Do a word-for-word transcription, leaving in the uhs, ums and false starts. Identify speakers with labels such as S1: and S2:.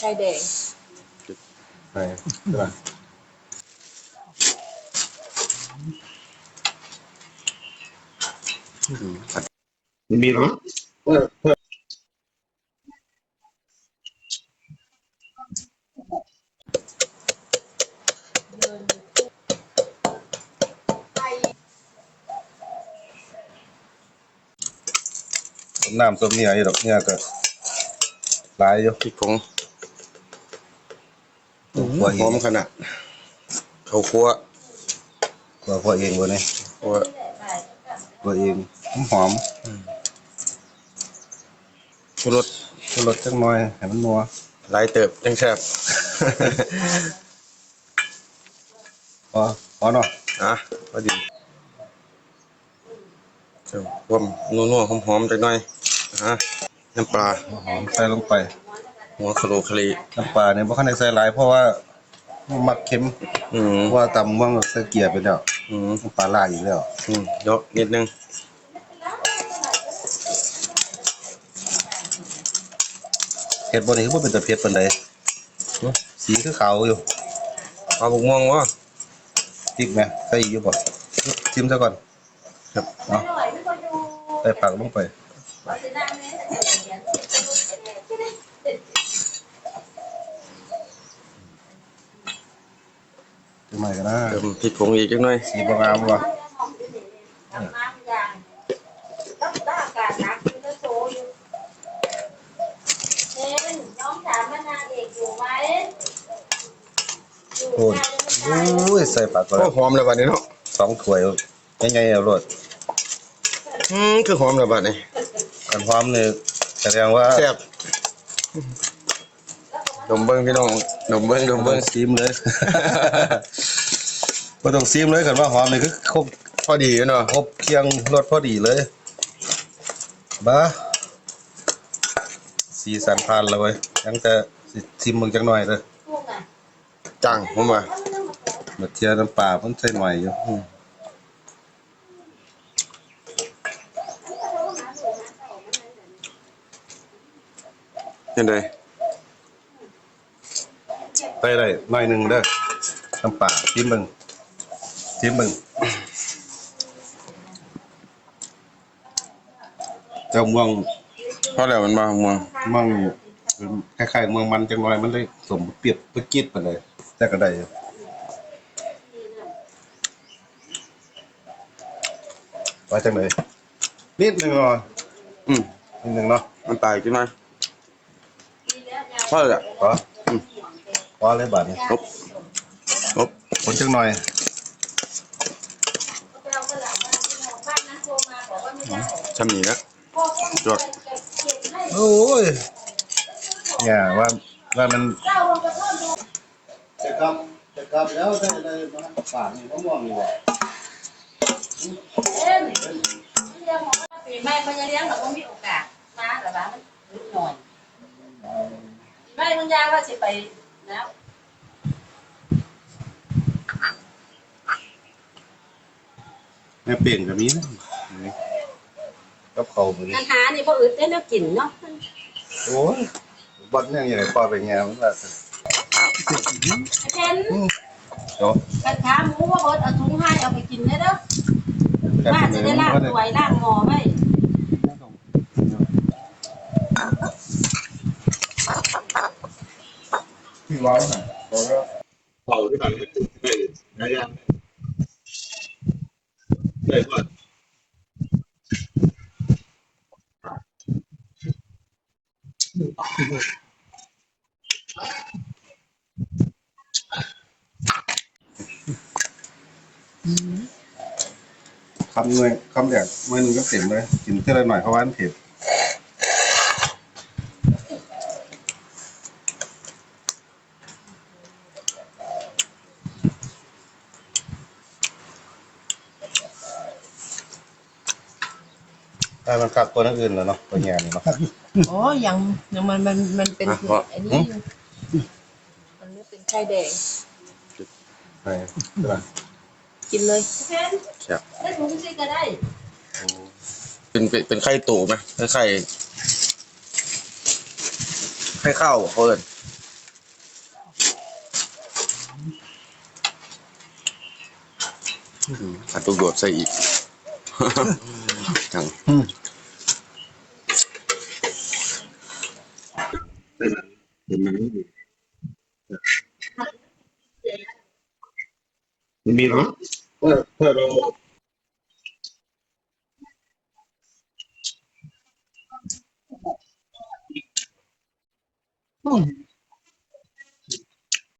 S1: ข่แดง
S2: ไปใช่ป่ะมีหรอเพิ่มเพิ่มน้ำส้มเนี่ยอยู่ดอกเนี่ยก็หลายอยู่พริกผงหอมขนาดเขาคั่วคั่วคั่วเองวะเนี่ยคั่วคั่วเองหอมชูรสชูรสจังหน่อยให้มันนัวหลายเติบจังแซ่บพอพอเนาะอ่ะพอดีเจ้าความนัวๆหอมๆจังหน่อยฮะน้ำปลาหอมใส่ลงไปหัวคาโรคารีน้ำปลาเนี่ยบ่คันได้ใส่หลายเพราะว่ามักเค็มอืมเพราะว่าตำว่างใส่เกลือไปแล้วอืมน้ำปลาลาอีกแล้วอืมเยอะนิดนึงเผ็ดบ่นี่คือบ่เป็นตะเผ็ดปานใดสีคือขาวอยู่เอาบกม่วงวะพริกไหมใส่อยู่บ่ชิมซะก่อนครับเนาะใส่ผักลงไปทำไมกันนะเติมพริกผงอีกจังหน่อยสีบางามวะโอ้ยโอ้ยใส่ผักก่อนหอมเลยวันนี้เนาะสองถ้วยยังไงเอารสอืมคือหอมเลยวันนี้กันหอมเนี่ยแสดงว่าแซ่บดมเบิ้งพี่น้องดมเบิ้งดมเบิ้งซีมเลยไม่ต้องซีมเลยกันว่าหอมเลยคือครบพอดีเนาะครบเคียงรสพอดีเลยบ้าสีสันพันเลยยังจะซิมมึงจังหน่อยเลยจังผมว่ามาเทียน้ำปลาเพิ่งใส่หน่อยอยู่ยังไงไปได้หน่อยหนึ่งเด้อน้ำปลาซิมมึงซิมมึงเจ้าเมืองเพราะอะไรมันมาเมืองเมืองคล้ายๆเมืองมันจังหน่อยมันเลยสมเปรียบเปรี้ยไปเลยแต่ก็ได้ว่าจังเลยนิดหนึ่งเนาะอืมนิดหนึ่งเนาะมันตายขึ้นมาพอเลยพออืมพอเลยบาทนี้ครบครบคนจังหน่อยชำหนีนะจวดโอ้ยเนี่ยว่าว่ามันจะกลับจะกลับแล้วได้ได้มาป่านนี่มะม่วงนี่วะ
S1: ปีใหม่มันจะเลี้ยงแบบว่ามีโอกาสมาแต่ว่ามันนิดหน่อยไม่มึงยาว่าสิไปแล้ว
S2: แม่เปลี่ยนกับนี้นะกับเขาเหมือน
S1: อาหารนี่พออึดได้แล้วกินเนาะ
S2: โอ้ยบัดเนี่ยยังไงปลาไปแง่มันละ
S1: เช่นกระทะหมูว่าเบิดเอาถุงให้เอาไปกินได้เด้อว่าจะได้ล้างถ้วยล้างหม้อไว้
S2: ที่ร้อนน่ะเขาก็เผาที่ไหนได้ได้ยังได้ก่อนคำเงยคำแดกเมื่อนึงก็เต็มเลยกินเท่าไรหน่อยเพราะว่ามันเผ็ดแต่มันกัดตัวนั้นอื่นแล้วเนาะตัวแง่นี่เนาะ
S1: โอ้ยังยังมันมันมันเป็นไอ้นี่มันไม่เป็นไข่แดง
S2: ใช่ใช่ป่ะ
S1: กินเลย
S2: ใช่
S1: ได้ถุงซิก็ได้
S2: เป็นเป็นไข่ตู่ไหมไข่ไข่ไข่ข้าวเพิ่น
S3: อัดลูกโดดใส่อีกจังเห็นไหมมันมีหรอเออเพื่อเราอืม